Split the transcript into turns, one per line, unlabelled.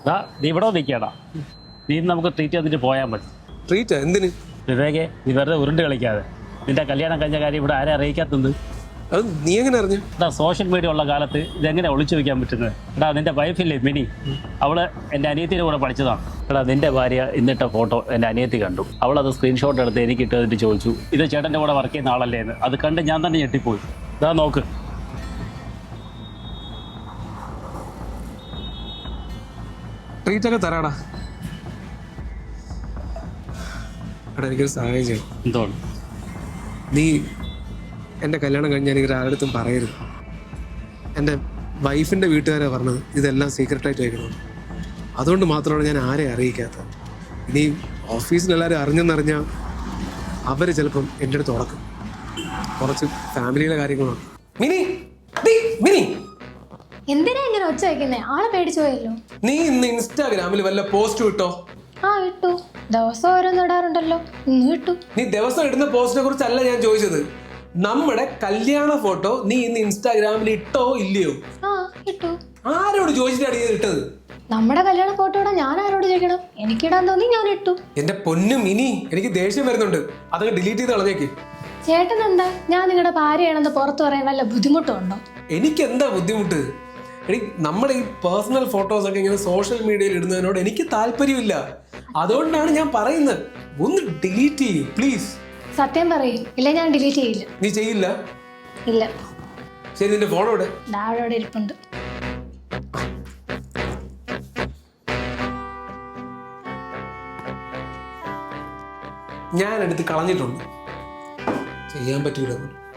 നീ ഇവിടെ നിൽക്കടാ. നീ നമുക്ക് ട്രീറ്റ് തന്നിട്ട് പോയാൽ മതി.
ട്രീറ്റ് എന്തിന്?
വിവേകെ, നീ വെറുതെ ഉരുണ്ട് കളിക്കാതെ. നിന്റെ കല്യാണം കഴിഞ്ഞ കാര്യം ഇവിടെ ആരെ അറിയിക്കാത്തത്?
അത് നീ എങ്ങനെ അറിഞ്ഞു?
സോഷ്യൽ മീഡിയ ഉള്ള കാലത്ത് ഇതെങ്ങനെ ഒളിച്ചു വെക്കാൻ പറ്റുന്നത്? നിന്റെ വൈഫില്ലേ മിനി, അവള് എൻ്റെ അനിയത്തിൻ്റെ കൂടെ പഠിച്ചതാണ്. നിന്റെ ഭാര്യ ഇന്നിട്ട ഫോട്ടോ എൻ്റെ അനിയത്തി കണ്ടു. അവളത് സ്ക്രീൻഷോട്ട് എടുത്ത് എനിക്ക് ഇട്ടതിട്ട് ചോദിച്ചു, ഇത് ചേട്ടൻ്റെ കൂടെ വർക്ക് ചെയ്യുന്ന ആളല്ലേ എന്ന്. അത് കണ്ട് ഞാൻ തന്നെ ഞെട്ടിപ്പോയി. നോക്ക്.
ട്രീറ്റൊക്കെ തരാടാ. എടാ, എനിക്കൊരു സഹായം ചെയ്യണം.
എന്തോണ്?
നീ എൻ്റെ കല്യാണം കഴിഞ്ഞ് എനിക്ക് ആരുടെടുത്തും പറയരുത്. എൻ്റെ വൈഫിൻ്റെ വീട്ടുകാരാണ് പറഞ്ഞത് ഇതെല്ലാം സീക്രട്ടായിട്ട് വയ്ക്കണം. അതുകൊണ്ട് മാത്രമാണ് ഞാൻ ആരെയും അറിയിക്കാത്തത്. ഇനി ഓഫീസിലെല്ലാവരും അറിഞ്ഞെന്നറിഞ്ഞാൽ അവർ ചിലപ്പം എൻ്റെ അടുത്ത് ഉടക്കും. കുറച്ച് ഫാമിലിയുടെ കാര്യങ്ങളാണ്. മിനി, മിനി,
എന്തിനാ ഇങ്ങനെ ഒച്ച വയ്ക്കുന്നേ? ആളെ പേടിച്ചു പോയല്ലോ.
നീ ഇന്ന് ഇൻസ്റ്റാഗ്രാമിൽ വല്ല പോസ്റ്റ് ഇട്ടോ?
ആ ഇട്ടു. ദിവസം ഓരോന്ന് ഇടാറുണ്ടല്ലോ. ഇന്ന് ഇട്ടു.
നീ ദിവസം ഇടുന്ന പോസ്റ്റിനെ കുറിച്ചല്ല ഞാൻ ചോദിച്ചത്. നമ്മുടെ കല്യാണ ഫോട്ടോ നീ ഇന്ന് ഇൻസ്റ്റാഗ്രാമിൽ ഇട്ടോ ഇല്ലയോ?
ആ ഇട്ടു.
ആരോട് ചോദിച്ചിട്ടാണ് നീ ഇട്ടത്?
നമ്മുടെ കല്യാണ ഫോട്ടോ ഇടാൻ ഞാൻ ആരോട് ചോദിക്കണം? എനിക്കിടാൻ തോന്നി ഞാൻ ഇട്ടു.
എന്റെ പൊന്നും മിനി, എനിക്ക് ദേഷ്യം വരുന്നുണ്ട്. അതൊക്കെ ഡിലീറ്റ് ചെയ്ത് കളഞ്ഞേക്ക്.
ചേട്ടൻ എന്താ ഞാൻ നിങ്ങളുടെ ഭാര്യയാണെന്ന് പുറത്തു പറയാൻ വല്ല ബുദ്ധിമുട്ടുണ്ടോ?
എനിക്ക് എന്താ ബുദ്ധിമുട്ട്? നമ്മുടെ ഈ പേഴ്സണൽ ഫോട്ടോസ് ഒക്കെ ഇങ്ങനെ സോഷ്യൽ മീഡിയയിൽ ഇടുന്നതിനോട് എനിക്ക് താല്പര്യമില്ല. അതുകൊണ്ടാണ് ഞാൻ പറയുന്നത്, ഒന്ന് ഡിലീറ്റ് ചെയ്യൂ പ്ലീസ്.
സത്യം പറയും, ഇല്ല ഞാൻ ഡിലീറ്റ് ചെയ്യില്ല.
നീ ചെയ്യില്ല?
ഇല്ല.
ശരി, നിന്റെ ഫോൺ എവിടെ?
അവിടെ ഇരിപ്പുണ്ട്.
ഞാൻ എടുത്ത് കളഞ്ഞിട്ടുണ്ട്. ചെയ്യാൻ പറ്റൂല.